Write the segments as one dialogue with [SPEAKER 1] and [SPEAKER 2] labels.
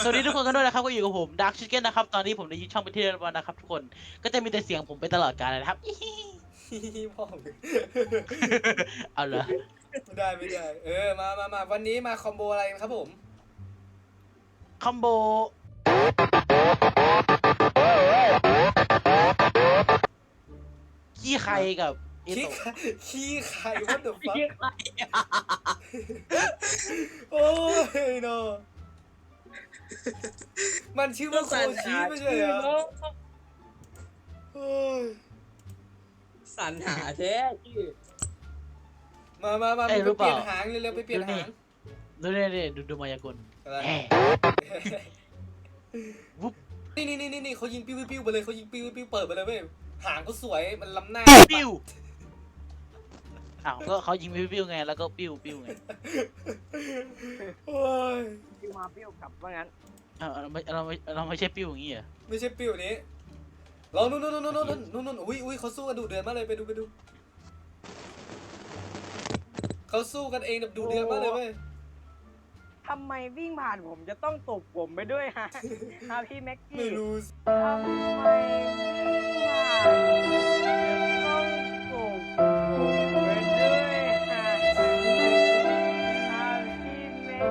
[SPEAKER 1] วัสดีทุกคนกันด้วยนะครับก็อยู่กับผมดาร์คชิคเก้นนะครับตอนนี้ผมได้ยึดช่องไปที่เรียบร้อยนะครับทุกคนก็จะมีแต่เสียงผมไปตลอดกาลเลยนะครับ
[SPEAKER 2] พ่อมึง
[SPEAKER 1] เอาเหรอ
[SPEAKER 2] ไม่ได้มาวันนี้มาคอมโบอะไรครับผม
[SPEAKER 1] คอมโบขี้ใครกับเอ
[SPEAKER 2] ขี้
[SPEAKER 1] โตะ
[SPEAKER 2] ขี้ไข่วัดเดอะฟัคโอ้ยโนมันชื่อว่าโคชิไม่ใช่เหรอโอ้ย
[SPEAKER 3] สรรหาแท้ชื่อ
[SPEAKER 2] มาไปเปลี่ยนหางเร็วๆไปเปลี่ยนหาง
[SPEAKER 1] ดูเนี่ยดูมายากล
[SPEAKER 2] อะไร
[SPEAKER 1] แหมวุ๊บ
[SPEAKER 2] นี่เขายิงปิ้วไปเลยเขายิงปิ้วเปิดไปเลยเว้ยหางเขาสวยมันล้ำหน้า
[SPEAKER 1] ปิ้วอ้าวก็เขายิงปิ้วไงแล้วก็ปิ้วไง
[SPEAKER 2] โอ้ย
[SPEAKER 3] ปิ้วมาปิ้วกลับว่างั้น
[SPEAKER 1] เราไม่ใช่ปิ้วอย่างงี้เหรอ
[SPEAKER 2] ไม่ใช่ปิ้วนี้ลองนู่นอุ้ยเขาสู้กันดุเดือดมากเลยไปดูเขาสู้กันเองแบบดุเดือดมากเลยเว้ย
[SPEAKER 3] ทำไมวิ่งผ่านผมจะต้องตบผมไปด้วยฮะฮะพี่แม็กกี้
[SPEAKER 2] ไม่รู้
[SPEAKER 3] ทำไมวิ่งผ่านต้องตบผมไปด้วยฮะพี่แม็ก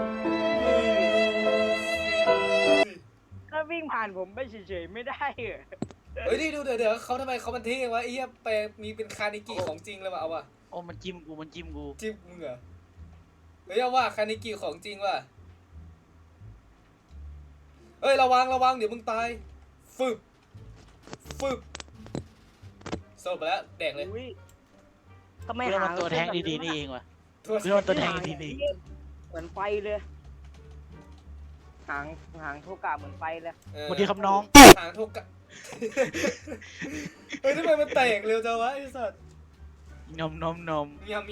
[SPEAKER 3] กี้ก็วิ่งผ่านผมไปเฉยๆไม่ได้เหรอ
[SPEAKER 2] เฮ้ยนี่ดูเดี๋ยวเขาทำไมเขามันเท่วะไอ้เหี้ยไปมีเป็นคานิกิของจริงเลยว่ะเอาว่ะ
[SPEAKER 1] โอ้มันจิ้มกู
[SPEAKER 2] จิ้มมึงเหรอเฮ้ยเอาว่าคานิกิของจริงว่ะเฮ้ยระวังเดี๋ยวมึงตายฟึบโซ่ไปแล้วแดกเลย
[SPEAKER 3] อุ๊ยทำไม
[SPEAKER 1] เพื่อ
[SPEAKER 3] หา
[SPEAKER 1] มันตัวแทงดีๆนี่เองว่ะ
[SPEAKER 2] ทั่ว
[SPEAKER 1] เพื่อมันตัวแทงดีๆ
[SPEAKER 3] เหมือนไฟเลยหางโทกะเหมือนไฟเลย
[SPEAKER 1] สวัสดีครับน้อง
[SPEAKER 2] หางโทกะเฮ้ยทำไมมันแตกเร็วจังวะไอ้สัตว์
[SPEAKER 1] นม
[SPEAKER 2] ยำ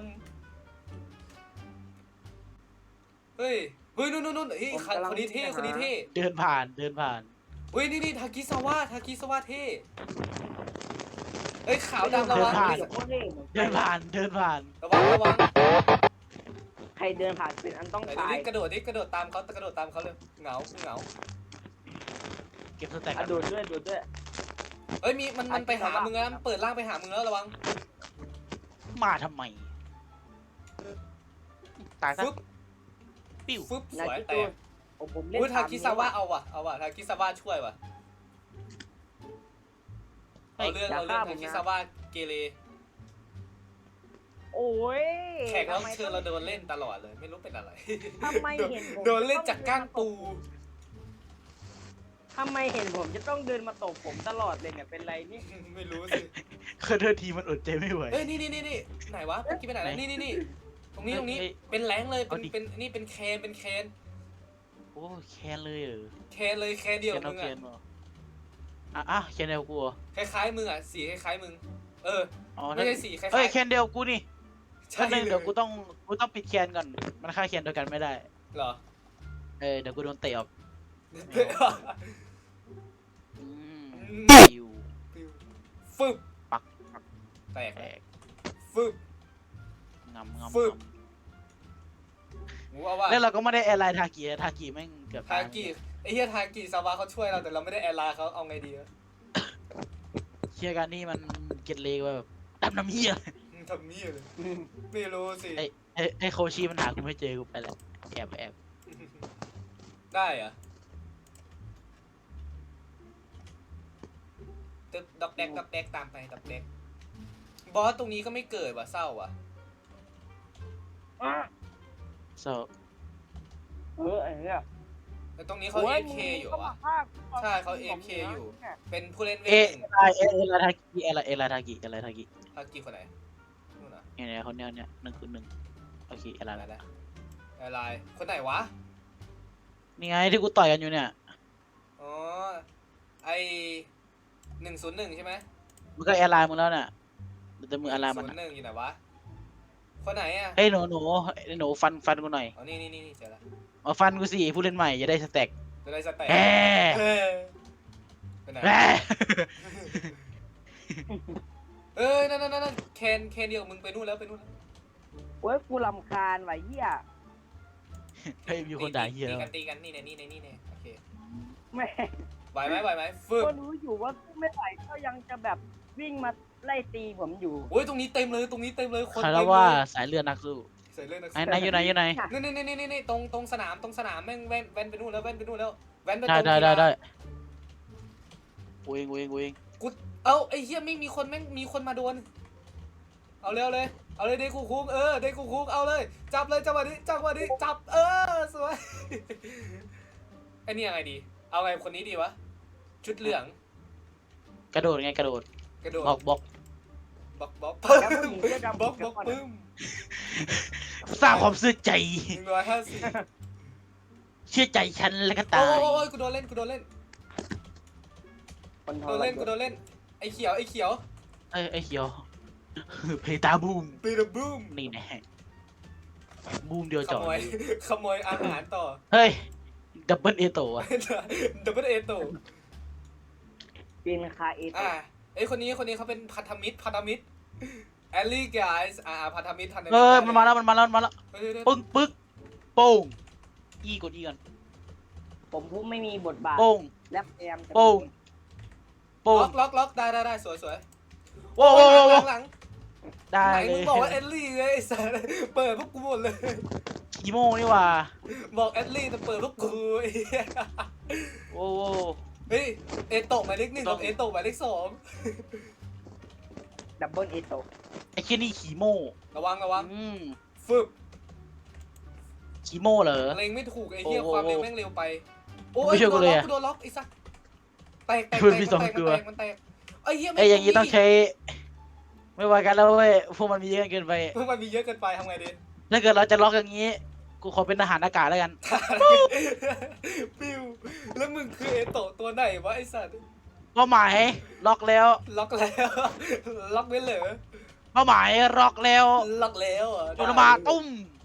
[SPEAKER 2] เฮ้ยนู่นเฮ้ยคนนี้เท่
[SPEAKER 1] เดินผ่าน
[SPEAKER 2] เฮ้ยนี่ทากิสวะเท่เฮ้ยขาวดำระวัง
[SPEAKER 1] เดินผ่าน
[SPEAKER 2] ระวัง
[SPEAKER 3] ใครเดินผ่านเป็นอันต้อง
[SPEAKER 2] ไหน
[SPEAKER 3] ตาย
[SPEAKER 2] กระโดดตามเขาเลยเหงา
[SPEAKER 1] เก็บสแต็ก
[SPEAKER 3] อ่ะดูดด้วย
[SPEAKER 2] เอ้ยมันไปหามึงแล้วมันเปิดร่างไปหามึงแล้วระวัง
[SPEAKER 1] มาทำไมตายซะ
[SPEAKER 2] ฟึบ
[SPEAKER 1] ปิ้ว
[SPEAKER 2] ฟึบส
[SPEAKER 3] นา
[SPEAKER 2] วย
[SPEAKER 3] จิ
[SPEAKER 2] แต
[SPEAKER 3] โต้
[SPEAKER 2] ก
[SPEAKER 3] ผมเล่น
[SPEAKER 2] อุ้ยทากิสวะเอาว่ะทากิสวะช่วยว่ะเอาเรื่องทากิสวะเกเร
[SPEAKER 3] โอ้ย
[SPEAKER 2] แขกรับเชิญเราโดนเล่นตลอดเลยไม่รู้เป็นอะไร
[SPEAKER 3] ทำไมเห็นผม
[SPEAKER 2] โดนเล่นจากก้างปู
[SPEAKER 3] ทำไมเห็นผมจะต้องเดินมาตบผมตลอดเลยเนี่ยเป็นไรนี่
[SPEAKER 2] ไม่รู้สิ
[SPEAKER 1] เคยเดินทีมันอดใจไม่ไหว
[SPEAKER 2] เอ้ยนี่ไหนวะเมื่อกี้ไปไหนแล้วนี่ตรงนี้เป็นแรงเลยเป็นนี่เป็นแคน
[SPEAKER 1] โอ้แคนเลยเหรอ
[SPEAKER 2] แคนเลยแคนเดียว
[SPEAKER 1] แคน
[SPEAKER 2] มึ
[SPEAKER 1] เอา
[SPEAKER 2] ง
[SPEAKER 1] แค
[SPEAKER 2] อ่ะ
[SPEAKER 1] นเหรอแคนเดียวกูเหรอ
[SPEAKER 2] คล้ายมึงอ่ะสีคล้ายมึง
[SPEAKER 1] อ๋อ
[SPEAKER 2] ไม่ใช่สีคล้าย
[SPEAKER 1] เอ้ยแคนเดียวกูนี่
[SPEAKER 2] ใช่
[SPEAKER 1] ถ้าเดี๋ยวกูต้องปิดแคนก่อนมันฆ่าแคนเดียวกันไม่ได้
[SPEAKER 2] เหรอ
[SPEAKER 1] เดี๋ยวกูโดนเตะออกปิ้ว
[SPEAKER 2] ฟึบ
[SPEAKER 1] ปัก
[SPEAKER 2] แตก
[SPEAKER 1] แตก
[SPEAKER 2] ฟึบ
[SPEAKER 1] งำ
[SPEAKER 2] ฟึบ งูเอาว่า
[SPEAKER 1] แล้วเราก็ไม่ได้แอร์ไลน์ทากิแม่งเกือบ
[SPEAKER 2] ทากิไอ้เหี้ยทากิซาวะเขาช่วยเราแต่เราไม่ได้แอร์ไลน์เขาเอาไงดีวะ
[SPEAKER 1] เชียร์กันนี่มันเก็ตเลวแบบดำน้ำเหี้ย
[SPEAKER 2] ทำนี่เลยไม่รู้สิ
[SPEAKER 1] ไอโคชิมันหากูไม่เจอกูไปแล้วแอบ
[SPEAKER 2] ได้เหรอตึ๊บดอกแดกตามไปดอกแดกบอสตรงนี้ก็ไม่เกิดว่ะเศร้าว่ะ
[SPEAKER 1] โซ
[SPEAKER 3] ไอ้เนี่ย
[SPEAKER 2] แต่ตรงนี้เขา AFK อยู่วะ ใช่เขา AFK อยู่ เป็นผู้เล่นเว
[SPEAKER 1] เอ
[SPEAKER 2] ทหนึ่ง
[SPEAKER 1] ลาทากิเอลาทากิ
[SPEAKER 2] ทากิคนไหนนู่นน่ะ
[SPEAKER 1] เนี่ยคนเนี้ย1 โอเคเอลา
[SPEAKER 2] อะไรนะอะไรคนไหนวะ
[SPEAKER 1] นี่ไงที่กูต่อยกันอยู่เนี่ย
[SPEAKER 2] อ๋อไอ101ใช่ไหม
[SPEAKER 1] มันก็แอร์ไลน์มึงแล้วน่ะแต่มือแอร์ไลน์มัน
[SPEAKER 2] 101อยู่ไหนวะคนไหนอ่ะ
[SPEAKER 1] เฮ้ยหนูฟันกูหน่อย
[SPEAKER 2] อ๋อนี่เจอแล้ว
[SPEAKER 1] มาฟันกูสิผู้เล่นใหม่จะได้สแต็ก
[SPEAKER 2] จะได้สแต็ก
[SPEAKER 1] แหม
[SPEAKER 2] คนไหน
[SPEAKER 1] แหม
[SPEAKER 2] นั่นแคนเดียวมึงไปนู่นแล้ว
[SPEAKER 3] โอ้ยกูรำคาญว่ะเหี้ย
[SPEAKER 1] เฮ้ยมีคนด่าเฮีย
[SPEAKER 2] ตีกันนี่เนี่ยเค
[SPEAKER 3] แม่
[SPEAKER 2] ไหวไหมฟึบ
[SPEAKER 3] ก็รู้อยู่ว่าไม่ไหวก็ยังจะแบบวิ่งมาไล่ตีผมอยู่
[SPEAKER 2] โอ้ยตรงนี้เต็มเลยคน
[SPEAKER 1] ใคร
[SPEAKER 2] เต็
[SPEAKER 1] แล้
[SPEAKER 2] ม
[SPEAKER 1] ว
[SPEAKER 2] เล
[SPEAKER 1] ว่าย สายเลือดนักสู้
[SPEAKER 2] ใส่เรื่องนัก
[SPEAKER 1] ไหนอยู่ไหนอยู่ไหน
[SPEAKER 2] นี่ตรงสนามแม่งแว่นไปนู่นแล้วแว่นไปตรง
[SPEAKER 1] ได้
[SPEAKER 2] กีฬา
[SPEAKER 1] ได้กูเอง
[SPEAKER 2] กูเอาไอ้เหี้ยไม่มีคนแม่งมีคนมาโดนเอาเร็วเลยเดกูคุกเดกูคุกเอาเลยจับเลยจับมาดิจับสวย ไอ้นี่ยังไงดีเอาไงคนนี้ดีวะชุดเหลือง
[SPEAKER 1] กระโดดไงกระโดด
[SPEAKER 2] กระโดด
[SPEAKER 1] บล็อก
[SPEAKER 2] บล็อก
[SPEAKER 3] แล้วผู้หญิงเสื้อดำ
[SPEAKER 2] บล็อก
[SPEAKER 3] เดี๋ยวก่อน
[SPEAKER 2] ปึ้ม
[SPEAKER 1] สร้างความเชื่อใจ
[SPEAKER 2] 150
[SPEAKER 1] เชื่อใจฉันแล้วก็
[SPEAKER 2] โอ้
[SPEAKER 1] ตาย
[SPEAKER 2] ยกูโดนเล่น
[SPEAKER 3] คนท
[SPEAKER 2] กู
[SPEAKER 3] ร
[SPEAKER 2] โดน
[SPEAKER 3] ยศ
[SPEAKER 2] เล่นไอ้เขียว
[SPEAKER 1] ไอ้เขียว เพตาบูม
[SPEAKER 2] ปีดบูม
[SPEAKER 1] นี่แน่บูมเดียว
[SPEAKER 2] ข
[SPEAKER 1] จอด
[SPEAKER 2] ขโมยอาหารต่อ
[SPEAKER 1] เฮ้ยดับเบิลเอโตะ
[SPEAKER 2] ดับเบิลเอโต
[SPEAKER 3] กินคาเอต
[SPEAKER 2] ไอ้คนนี้เขาเป็นพันธมิตรแอลลี่ไกส์พันธมิตร
[SPEAKER 1] เออมันมาแล้วปึ๊กโป้งกดก่อน
[SPEAKER 3] ผมพูดไม่มีบทบาท
[SPEAKER 1] โป้ง
[SPEAKER 3] และพยายามจะ
[SPEAKER 1] โป้ง
[SPEAKER 2] ล็อกได้สวย
[SPEAKER 1] โว้
[SPEAKER 2] หลัง
[SPEAKER 1] ได้
[SPEAKER 2] ไหน
[SPEAKER 1] เล
[SPEAKER 2] มึง
[SPEAKER 1] ย
[SPEAKER 2] บอกว่าแอลลี่ไงไอ้สัสเปิดพวกกูหมดเลย
[SPEAKER 1] อีโม่นี่ว่า
[SPEAKER 2] บอกแอลลี่แต่เปิดพวกกูไอ้เหี้ย
[SPEAKER 1] โอ้
[SPEAKER 2] เฮ้ยเอโตะหมายเลข 1กับเอโตะหมายเลข
[SPEAKER 3] ดับเบิลเอโต
[SPEAKER 1] ไอ้เคียนี่ขี่โม่
[SPEAKER 2] 2ระวัง ฟึบ
[SPEAKER 1] ขี่โม่เหรอ
[SPEAKER 2] เล็งไม่ถูกไอ้เหี้ย
[SPEAKER 1] โอ้
[SPEAKER 2] ความเร็วแม่งเร็วไปโอ้
[SPEAKER 1] ไม่ช่วยกูเลยอะ
[SPEAKER 2] โดนล็อกไอ้สัสแตก
[SPEAKER 1] มันมีสองตัว
[SPEAKER 2] มันแตกไอ้เหี้ย
[SPEAKER 1] ไอ้อย่างนี้ต้องใช้ ไม่ไหวกันแล้วเว้ยพวกมันมีเยอะเกินไป
[SPEAKER 2] เพิ่งมันมีเยอะเกินไปทำไงดี
[SPEAKER 1] ถ้าเกิดเราจะล็อกอย่างนี้ กูขอเป็นทหารอากาศแล้วกัน
[SPEAKER 2] ปิวแล้วมึงคือเอโตะตัวไหนวะไอ้สัส
[SPEAKER 1] เป้าหมายล็อกแล้ว
[SPEAKER 2] ล็อกแล้ว ล็อกไว้เหรอ
[SPEAKER 1] เป้าหมายล็อกแล้ว
[SPEAKER 2] ล็อกแล้วอ่ะ
[SPEAKER 1] โดนมาตุ้ม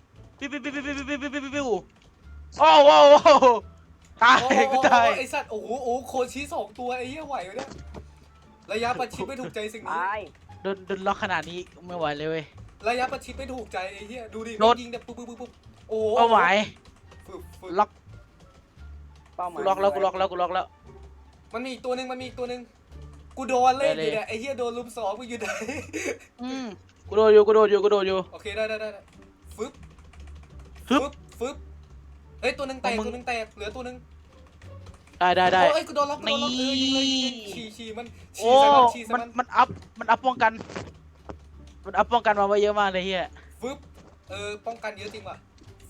[SPEAKER 1] ปิ้วโอ้โหตาย
[SPEAKER 2] โอ้
[SPEAKER 1] กูตาย
[SPEAKER 2] ไอ้สัตว์โอ้โหโคชิ2 ตัวไอ้เหี้ยไหวไหมเนี่ยระยะประชิดไม่ถูกใจสิ่งนี้
[SPEAKER 3] ตาย
[SPEAKER 1] โดนล็อกขนาดนี้ไม่ไหวเลยเว้ย
[SPEAKER 2] ระยะประชิดไม่ถูกใจไอ้เหี้ยดูดิ
[SPEAKER 1] โดน
[SPEAKER 2] ยิงแบบปุ๊บโอ้โห
[SPEAKER 1] เป้าหมาย
[SPEAKER 2] ฝึก
[SPEAKER 1] ล็อก
[SPEAKER 3] เป้าหมาย
[SPEAKER 1] กูล็อกแล้ว
[SPEAKER 2] มันมีอีกตัวหนึ่งกูโดนเล่นอยู่
[SPEAKER 1] ได้เลย
[SPEAKER 2] เนี่ยไอ้เหี้ยโดนลุม2มึงอยู่ไหน
[SPEAKER 1] กูโดนอยู่
[SPEAKER 2] โอเคได้ฟึบ
[SPEAKER 1] ฮึบ
[SPEAKER 2] เฮ้ยตัวหนึ่งแตก
[SPEAKER 1] มึง
[SPEAKER 2] เหลือตัวหนึ่ง
[SPEAKER 1] ได้
[SPEAKER 2] โอ้ยกูโดนล็อก
[SPEAKER 1] นี่
[SPEAKER 2] ยิงเลยฉี่มัน
[SPEAKER 1] โอ้
[SPEAKER 2] ฉี่ใส่มัน
[SPEAKER 1] มันอัพป้องกันมาไว้เยอะมากเลยเฮีย
[SPEAKER 2] ฟึบป้องกันเยอะจริงว่ะ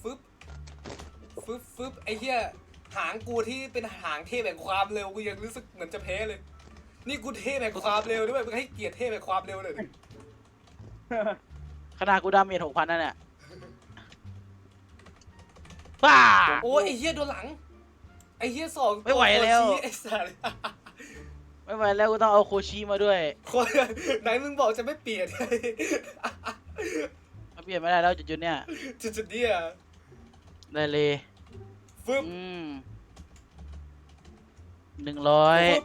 [SPEAKER 2] ฟึบไอ้เหี้ยหางกูที่เป็นหางเทพแห่งความเร็วกูยังรู้สึกเหมือนจะแพ้เลย นี่กูเทพแห่งความเร็วด้วยมึงให้เกียรติเทพแห่งความเร็วเลย
[SPEAKER 1] ขนาดกูดาเมจ6,000นั่นแหละป้า
[SPEAKER 2] โอ้ยไอ้เหี้ยโดนหลังไอ้เหี้ย2
[SPEAKER 1] ไม่ไหวแล้ว
[SPEAKER 2] โคชิไอ้สัส
[SPEAKER 1] ไม่ไหวแล้วกูต้องเอาโคชิมาด้วย
[SPEAKER 2] คนไหนมึงบอกจะไม่เปลี่ยน
[SPEAKER 1] มาเปลี่ยนไม่ได้แล้วจุดๆเนี่ย
[SPEAKER 2] จุดๆเนี่ย
[SPEAKER 1] ได้เลย
[SPEAKER 2] ฟึบ
[SPEAKER 1] 100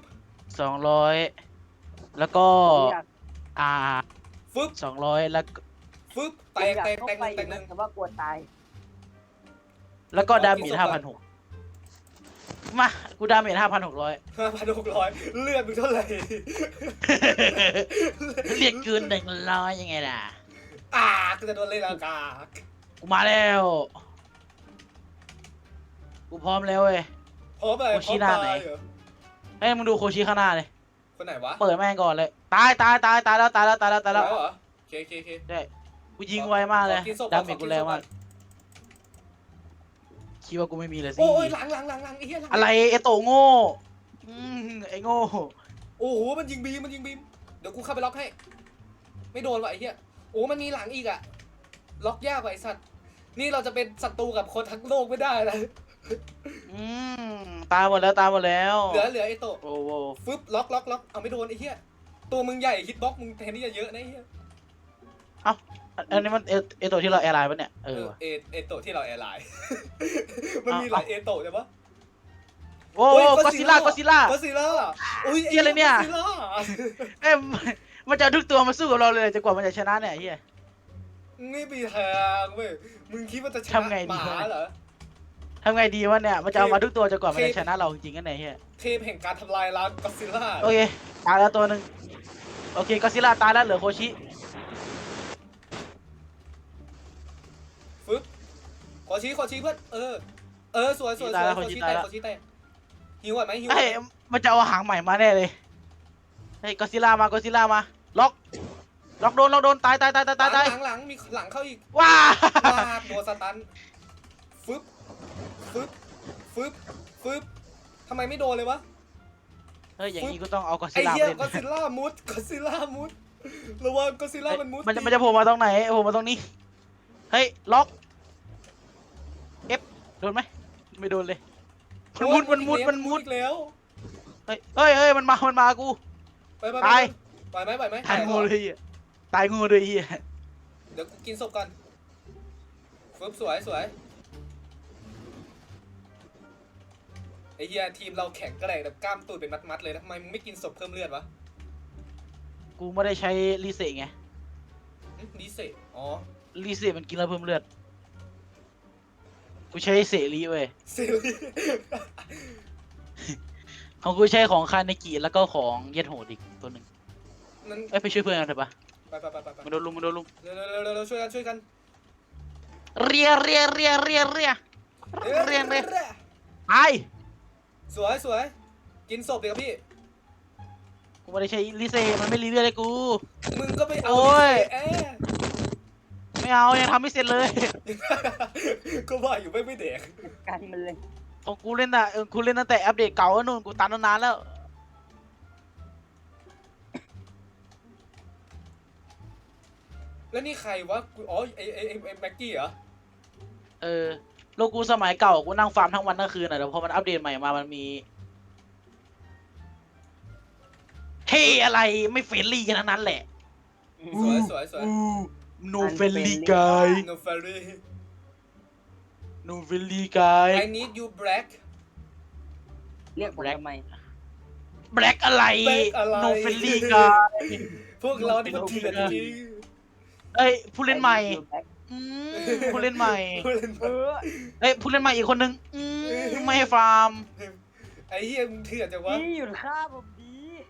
[SPEAKER 1] 200แล้วก็
[SPEAKER 3] อยาก
[SPEAKER 2] ฟึบ
[SPEAKER 1] 200แล้วก็
[SPEAKER 2] ฟึบแต
[SPEAKER 3] อยาก
[SPEAKER 2] ก
[SPEAKER 3] เข้าไปอยู่นะแต่ว่ากลัวตาย
[SPEAKER 1] แล้วก็ดาเมจ5,600มากูดาเมจ5,600
[SPEAKER 2] 5,600เลือดมึงเท่าไหร่
[SPEAKER 1] เรียกเกิน100ยังไงล่ะ
[SPEAKER 2] กูจะโดนเล่นอากาศ
[SPEAKER 1] กูมาแล้วกูพร้อมแล้วเว้ย
[SPEAKER 2] พร้อมอะไร
[SPEAKER 1] โคชิหน้าไหน
[SPEAKER 2] เหรอ
[SPEAKER 1] ให้มึงดูโคชิข้างหน้าเลย
[SPEAKER 2] คนไหนวะ
[SPEAKER 1] เปิดแม่งก่อนเลยตายแล้ว
[SPEAKER 2] แล้วเหรอโอเค
[SPEAKER 1] ได้กูยิงไวมากเลย
[SPEAKER 2] ขอกินศพ
[SPEAKER 1] ดาเมจ
[SPEAKER 2] ขอกิ
[SPEAKER 1] กู
[SPEAKER 2] น
[SPEAKER 1] แรง
[SPEAKER 2] ศพ
[SPEAKER 1] มากคิดว่ากูไม่มีเลยสิ
[SPEAKER 2] โอ้ยหลังไอ้เหี้ยหลัง
[SPEAKER 1] อะไรไอโตโง่ไอโง่
[SPEAKER 2] โอ้โหมันยิงบีมเดี๋ยวกูเข้าไปล็อกให้ ไม่โดนว่ะไอ้เหี้ยโอ้มันมีหลังอีกอะล็อกยากว่ะไอ้สัตว์นี่เราจะเป็นศัตรูกับคนทั้งโลกไม่ได้นะ
[SPEAKER 1] ตายหมดแล้ว
[SPEAKER 2] เหลือไอ้โตะ
[SPEAKER 1] โอ้โห
[SPEAKER 2] ฟึบล็อกเอาไม่โดนไอ้เหี้ยตัวมึงใหญ่ฮิตบ็อกมึงแทนที่จะเยอะนะไอ้เหี้ย
[SPEAKER 1] อันนี้มันเอโตที่เราแอร์ไลน์ปะเนี่ยว่ะ
[SPEAKER 2] เอโตะที่เราแอร์ไลน์ มันมีหลายเอโตะใช่ปะ
[SPEAKER 1] โอ้
[SPEAKER 2] โอ้ย
[SPEAKER 1] ก็ซิล่า
[SPEAKER 2] ก็ซิล่าอุ้ย
[SPEAKER 1] เหี้ยอะไรเนี่ย
[SPEAKER 2] ก็ซิล่า
[SPEAKER 1] เอ้ยมันจะเอาทุกตัวมาสู้กับเราเลยจนกว่ามันจะชนะเนี่ยเฮีย
[SPEAKER 2] ไม่มีทางเว้ยมึงคิดว่าจะชนะ
[SPEAKER 1] ทำไงดี
[SPEAKER 2] หมาเหรอ
[SPEAKER 1] ทำไงดีวะเนี่ยมันจะเอามาทุกตัวจนกว่ามันจะชนะเราจริงๆกันไหนเฮีย
[SPEAKER 2] เทพแห่งการทำลายล้างก็อดซิลล่า
[SPEAKER 1] โอเคตายแล้วตัวหนึ่งโอเคก็อดซิลล่าตายแล้วเหลือโคชิ
[SPEAKER 2] ฟึบขอชี้เพื่อนสวยขอชี้แตกหิวก่อนไหมหิวก่อ
[SPEAKER 1] เฮ้ย
[SPEAKER 2] นไหม
[SPEAKER 1] มันจะเอาหางใหม่มาแน่เลยเฮ้ยก็อดซิลล่ามาล็อกโดนตาย
[SPEAKER 2] หลังมีหลังเข้าอีก
[SPEAKER 1] ว้า
[SPEAKER 2] ลากโดนสตันฟึบทำไมไม่โดนเลยวะ
[SPEAKER 1] เฮ้ยอย่างนี้ก็ต้องเอาก็อด
[SPEAKER 2] ไอ้
[SPEAKER 1] ซิลล่า
[SPEAKER 2] เหี้ย
[SPEAKER 1] เล่น
[SPEAKER 2] ก็อดซิลล่ามุดระวังก็อดซิลล่ามันมุด
[SPEAKER 1] มันจะโผล่มาตรงไหนโผล่มาตรงนี้เฮ้ยล็อกเอฟโดนไหมไม่โดนเลยมันมุด
[SPEAKER 2] อีกแล้ว
[SPEAKER 1] เฮ้ยมันมากู
[SPEAKER 2] ไป
[SPEAKER 1] ตาย
[SPEAKER 2] ไหวไหม
[SPEAKER 1] ตายงูเลยอ่ะตายงูเลยอ่ะ
[SPEAKER 2] เดี๋ยวกูกินศพก่อนฟึบสวยไอ้เหี้ยทีมเราแข็งแกร่งแบบกล้ามตูดเป็นมัดเลยนะทำไมมึงไม่กินศพเพิ่มเลือดวะ
[SPEAKER 1] กูไม่ได้ใช้รีเซ็ตไง
[SPEAKER 2] ดีเซลอ๋อ
[SPEAKER 1] รีเซ็ตมันกินแล้วเพิ่มเลือดกูใช้เสรีเว้ย
[SPEAKER 2] เซรี
[SPEAKER 1] ของกูใช้ของคาเนกิแล้วก็ของเย็ดโหดอีกตัวหนึ่ง
[SPEAKER 2] นั่น
[SPEAKER 1] ไปช่วยเพื่อนกันเถอะปะ
[SPEAKER 2] ไป
[SPEAKER 1] มันโดนลุม
[SPEAKER 2] เร็วช่วยกัน
[SPEAKER 1] เรียตาย
[SPEAKER 2] สวยกินศพเดี๋ยวพี่
[SPEAKER 1] กูไม่ได้ใช้รีเซ็ตมันไม่รีเลือดเลยกู
[SPEAKER 2] มึงก็ไปเอา
[SPEAKER 1] โอ้ย
[SPEAKER 2] เอ๊ะ
[SPEAKER 1] ไม่เอายังทำไม่เสร็จเลย
[SPEAKER 2] ก็ว่าอยู่ไม่แดก
[SPEAKER 3] กันมันเลย
[SPEAKER 1] ของกูเล่นอ่ะกูเล่นตั้งแต่อัปเดตเก่าแล้วนู่นกูตันนานแล้ว
[SPEAKER 2] แล้วนี่ใครวะกูอ๋อไอ้แม็กกี้เหรอ
[SPEAKER 1] โลกูสมัยเก่ากูนั่งฟาร์มทั้งวันทั้งคืนอ่ะแต่พอมันอัปเดตใหม่มามันมีเฮ้อะไรไม่เฟรนลี่กันทั้งนั้นแหละ
[SPEAKER 2] สวย
[SPEAKER 1] no friendly guy
[SPEAKER 2] no fairy
[SPEAKER 1] no friendly guy
[SPEAKER 2] I need you black
[SPEAKER 3] เรียกผมทำไม
[SPEAKER 1] black อะไร
[SPEAKER 2] Black อะไร
[SPEAKER 1] no friendly guy
[SPEAKER 2] พวกเรานี่มันเถื่อนจริง
[SPEAKER 1] เอ้ยผู้เล่นใหม่อืมผู้เล่นใหม่
[SPEAKER 2] ผู้เล่น
[SPEAKER 3] เออ
[SPEAKER 1] เอ้ยผู้เล่นใหม่อีกคนนึงไม่ให้ฟาร์ม
[SPEAKER 2] ไอ้เหี้ยมึงเถื่อนจังวะ
[SPEAKER 3] พี่หยุดฆ่าผมดี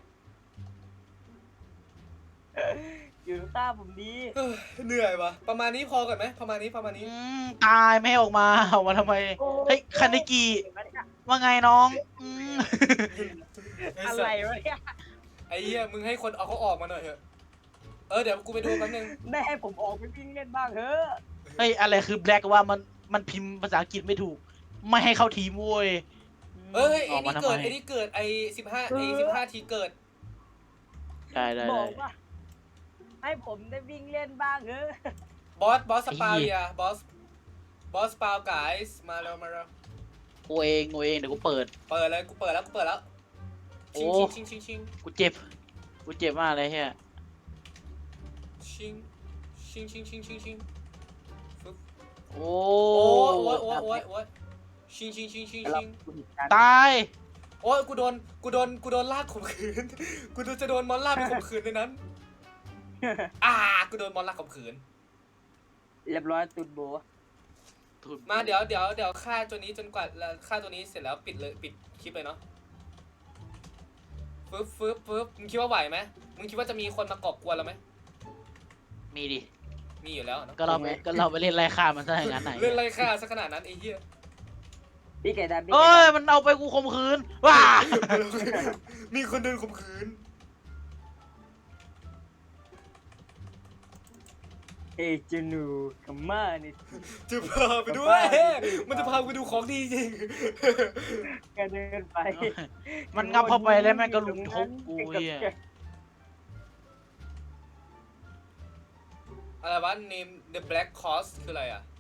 [SPEAKER 3] หยุดฆ่าผมดี
[SPEAKER 2] เอ้ยเหนื่อยวะประมาณนี้พอก่อนไหมประมาณนี้
[SPEAKER 1] ตายไม่ให้ออกมาออกมาทำไมเฮ้ยคาเนกิว่าไงน้องม
[SPEAKER 3] อะไรวะเนี่ย
[SPEAKER 2] ไอ้เหี้ยมึงให้คนเอาเขาออกมาหน่อยเถอะเดี๋ยวกูไปดูแป๊บนึง
[SPEAKER 3] แม่ให้ผมออกไปวิ่งเล่นบ้างเถอะ
[SPEAKER 1] เฮ้ยอะไรคือ black ว่ามันพิมพ์ภาษาอังกฤษไม่ถูก ไม่ให้เข้าทีมเว้ย
[SPEAKER 2] เอ้ย
[SPEAKER 1] ออกมาทำไม
[SPEAKER 2] ไอ้นี่เกิดไอ้15ทีเกิด
[SPEAKER 1] ได้
[SPEAKER 3] บอกว่า ให้ผมได้วิ่งเล่นบ้างเถอะ
[SPEAKER 2] บอสสปา
[SPEAKER 1] ไอ้เหี้
[SPEAKER 2] เรี
[SPEAKER 1] ย
[SPEAKER 2] ยบอสสปาวไกส์มาเร็ว
[SPEAKER 1] กูเองเดี๋ยวกูเปิด
[SPEAKER 2] เปิดเลยกูเปิดแล้ว
[SPEAKER 1] โอ้
[SPEAKER 2] ชิง
[SPEAKER 1] กูเจ็บมากเลยเฮีย
[SPEAKER 2] ชิงฟึบ
[SPEAKER 1] โอ้
[SPEAKER 2] โอ้ยชิง
[SPEAKER 3] แล้วกูผิดกัน
[SPEAKER 1] ตาย
[SPEAKER 2] โอ้ยกูโดนลากข่มขืน กูจะโดนมอนลากไปข่มขืนในนั้น กูโดนมอนลากข่มขืน
[SPEAKER 3] เรียบร้อยตุดโบ
[SPEAKER 2] มาเดี๋ยวฆ่าตัวนี้จนกว่าฆ่าตัวนี้เสร็จแล้วปิดคลิปเลยเนาะฟึบมึงคิดว่าไหวไหมมึงคิดว่าจะมีคนมากอบกวนเราไหม
[SPEAKER 1] มีดิ
[SPEAKER 2] มีอยู่แล้วเนาะ
[SPEAKER 1] ก็เราไปเล่นไล่ฆ่ามันซะอย่างนั้นไหน
[SPEAKER 2] เล่นไรฆ่าซะขนาดนั้นไอ้เหี้ย
[SPEAKER 3] พี่ไก่ดำพี่
[SPEAKER 1] เอ้
[SPEAKER 3] ไก่
[SPEAKER 1] ย
[SPEAKER 3] ดำ
[SPEAKER 1] มันเอาไปกูข่มขืนว้า
[SPEAKER 2] มีคนเดินข่มขืน
[SPEAKER 3] เอ้ยเจนูคัมมานี่
[SPEAKER 2] จะพาไปด้วย มันจะพาไปดูของดีจริง
[SPEAKER 3] ก็เดินไป
[SPEAKER 1] มันงับเข้าไปแล้วแม่งก็ลุมทุบกูเฮีย
[SPEAKER 2] อะไรวะ name the black cross คืออะไรอ่ะ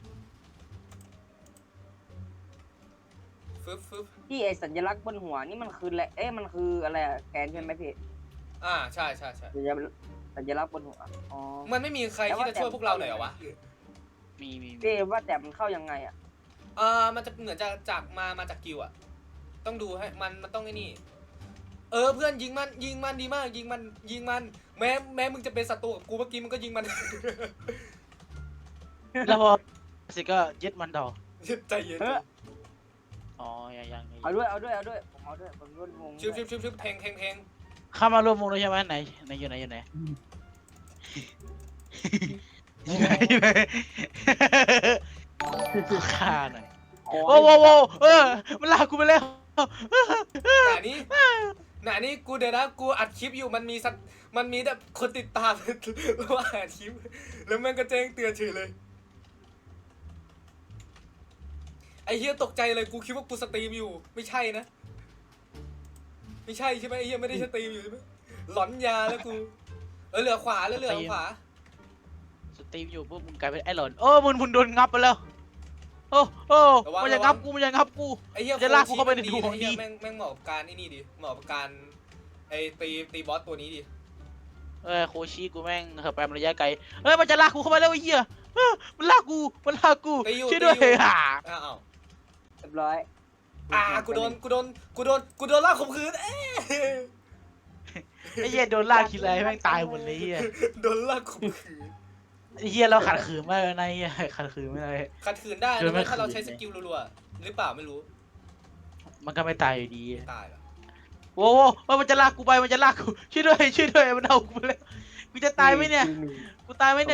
[SPEAKER 2] ฟึบ
[SPEAKER 3] พี่ไอสัญลักษณ์บนหัวนี่มันคืออะไรมันคืออะไรอะแกนใช่ไหมพี่
[SPEAKER 2] ใช่
[SPEAKER 3] สัญลักษณ์บนหัวอ๋อ
[SPEAKER 2] มันไม่มีใครที่จะช่วยพวกเราหน่อยเหรอวะ
[SPEAKER 1] มี
[SPEAKER 3] พี่ว่าแต่มันเข้ายังไงอะ
[SPEAKER 2] มันจะเหมือนจากมาจากกิวอะต้องดูให้มันต้องไอ้นี่ เพื่อนยิงมันดีมากยิงมันแม้มึงจะเป็นศัตรูกับกูเมื่อกี้มึงก็ยิงมัน
[SPEAKER 1] แล้วพอสิก็ยึดมันดอก
[SPEAKER 2] ใจเย็น
[SPEAKER 1] อ๋อยัง
[SPEAKER 3] เอาด้วยผมเอาด้วยผมร่วมวง
[SPEAKER 2] ชิบแทง
[SPEAKER 1] เข้ามารวมวงเลยใช่ไหมไหนอยู่ไหนอยู่ไหนฆ่าหน่อยโอ้โหมันลากกูไปแล้ว
[SPEAKER 2] หนานี้กูเดี๋ยวนะกูอัดคลิปอยู่มันมีแบบคนติดตาม ว่าอัดคลิปแล้วมันก็แจ้งเตือนเฉยเลยไอ้เฮียตกใจเลยกูคิดว่ากูสตรีมอยู่ไม่ใช่นะไม่ใช่ใช่ไหมไอ้เฮียไม่ได้สตรีมอยู่ใช่ไหมหลอนยาแล้วกูเหลือขวาแล้วเหลือขวา
[SPEAKER 1] สตรีมอยู่ปุ๊บมึงกลายเป็นไอ้หลอนโอ้มึงโดนงับไปแล้วโอ้มันจะงับกู
[SPEAKER 2] ไอ้เหี้ย
[SPEAKER 1] จะลากกูเข้าไปในถุงของดี
[SPEAKER 2] แม่งเหมาะกับการนี่ดิเหมาะกับการไอ้ตีบอสตัวนี้ดิ
[SPEAKER 1] โคชิกูแม่งเหินไประยะไกลมันจะลากกูเข้าไปแล้วไอ้เหี้ยมันลากกูช่วยด้วยอ่ะ
[SPEAKER 2] อ้าว
[SPEAKER 3] เรียบร้อย
[SPEAKER 2] กูโดนลากข่มขืน
[SPEAKER 1] ไอ้เหี้ยโดนลากทีไรแม่งตายหมดเลยเหี้ย
[SPEAKER 2] โดนลากข่มขืน
[SPEAKER 1] ไอ้เหี้ยเราขัดขืนไม่ได้นะเหี้ยขัดขืนไม่ได้
[SPEAKER 2] ขัดขืนได้นะถ้าเราใช้สกิลรัวๆหรือเปล่าไม่รู้
[SPEAKER 1] มันก็ไม่ตายอยู่ดี
[SPEAKER 2] ตายเหรอ
[SPEAKER 1] โว้มันจะลากกูไปมันจะลากกูช่วยด้วยมันเอากูไปแล้วกูจะตายไหมเนี่ยกูตายไหมเนี่ย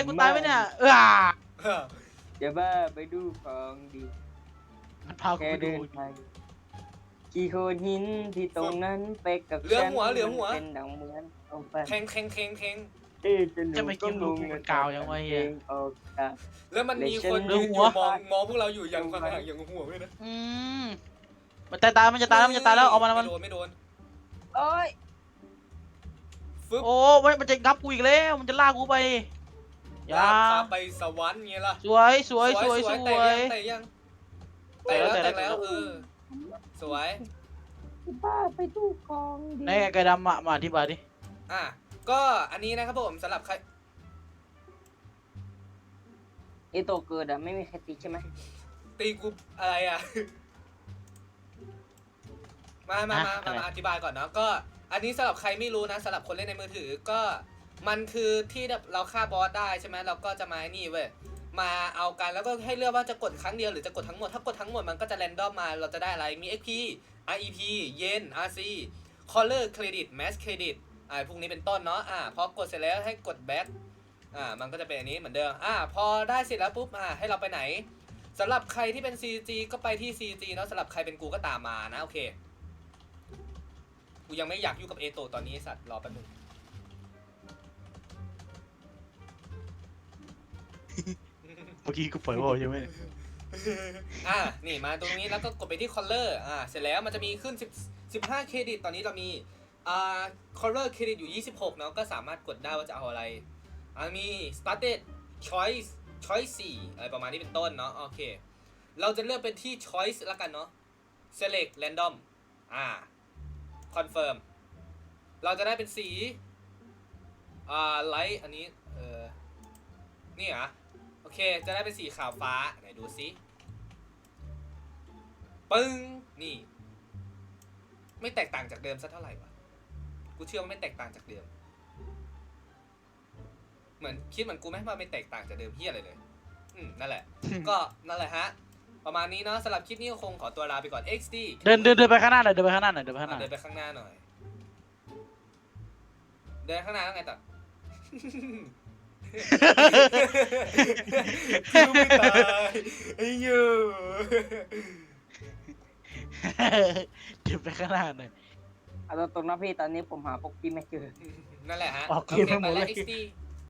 [SPEAKER 3] เดี๋ยวบ้าไปดูของดี
[SPEAKER 1] มันพากู
[SPEAKER 3] แค่
[SPEAKER 1] ไปดู
[SPEAKER 3] เดินไปกี่โคนหินที่ตรงนั้นไปกับ
[SPEAKER 2] เหลือหัว
[SPEAKER 3] เป็นดังเหมือนเอาไป
[SPEAKER 2] แทง
[SPEAKER 1] จะไม่กินลูกมันกาวยังไงเหี้ย
[SPEAKER 2] แล้วมันมีคน
[SPEAKER 1] เหลือหัว
[SPEAKER 2] มองพวกเราอยู่อย่างข้างๆอย่างหัวด้วยนะ
[SPEAKER 1] มันจะตายแล้วเอามัน
[SPEAKER 2] ไม่โดน
[SPEAKER 3] โอ้ย
[SPEAKER 2] ฟึบ
[SPEAKER 1] โอ้มันจะงับกูอีกแล้วมันจะลากกูไปอย่า
[SPEAKER 2] พาไปสวรรค์ไงล่ะ
[SPEAKER 1] สวย
[SPEAKER 2] แต่ยังแล้วสวย
[SPEAKER 3] บ้าไปดูของดี
[SPEAKER 1] ในไก่ดำมาอธิบายดิ
[SPEAKER 2] ก็อันนี้นะครับผมสำหรับใคร
[SPEAKER 3] ไอโตเกิดอะไม่มีใครตีใช่ไหม
[SPEAKER 2] ตีกูอะไรอ่ะ มาอธิบายก่อนเนาะก็อันนี้สำหรับใครไม่รู้นะสำหรับคนเล่นในมือถือก็มันคือที่เราฆ่าบอสได้ใช่ไหมเราก็จะมานี่เว้ยมาเอากันแล้วก็ให้เลือกว่าจะกดครั้งเดียวหรือจะกดทั้งหมดถ้ากดทั้งหมดมันก็จะแรนดอมมาเราจะได้อะไรมี XP REP เยน RC Color Credit Mass Credit พวกนี้เป็นต้นเนาะพอกดเสร็จแล้วให้กด back มันก็จะเป็นอันนี้เหมือนเดิมพอได้เสร็จแล้วปุ๊บให้เราไปไหนสำหรับใครที่เป็น CG ก็ไปที่ CG เนาะสำหรับใครเป็นกูก็ตามมานะโอเคกูยังไม่อยากยุ่งกับเอโตตอนนี้สัตว์รอแป๊บนึง
[SPEAKER 1] เมื่อกี้กูปล่อยบอลใช่ไหม
[SPEAKER 2] นี่มาตรงนี้แล้วก็กดไปที่ color เสร็จแล้วมันจะมีขึ้น15เครดิตตอนนี้เรามีcolor เครดิตอยู่26เนาะก็สามารถกดได้ว่าจะเอาอะไรมี started choice 4อะไรประมาณนี้เป็นต้นเนาะโอเคเราจะเลือกเป็นที่ choice แล้วกันเนาะ select random confirm เราจะได้เป็นสีlight อันนี้นี่เหรอโอเคจะได้เป็นสีขาวฟ้าไหนดูซิปึ้งนี่ไม่แตกต่างจากเดิมสักเท่าไหร่วะกูเชื่อว่าไม่แตกต่างจากเดิมเหมือนคิดเหมือนกูไหมว่าไม่แตกต่างจากเดิมเฮียอะไรเลยนั่นแหละ ก็นั่นแหละฮะประมาณนี้เนาะสำหรับคลิปนี้ก็คงขอตัวลาไปก่อน XD
[SPEAKER 1] เดินไปข้างหน้าหน่อยเดินไปข้างหน้าหน่อย
[SPEAKER 2] เดินไปข้างหน้าหน่อยเดินข้างหน้าแล้วไงต่อคือไม่ตายไอ้ยู
[SPEAKER 1] เดินไปข้างหน้าหน่อย
[SPEAKER 3] เอาตรงๆนะพี่ตอนนี้ผมหาปกกี้ไม่เจอ
[SPEAKER 2] นั่นแหละฮะ
[SPEAKER 1] ออกเกมไปหมดเลย
[SPEAKER 2] XD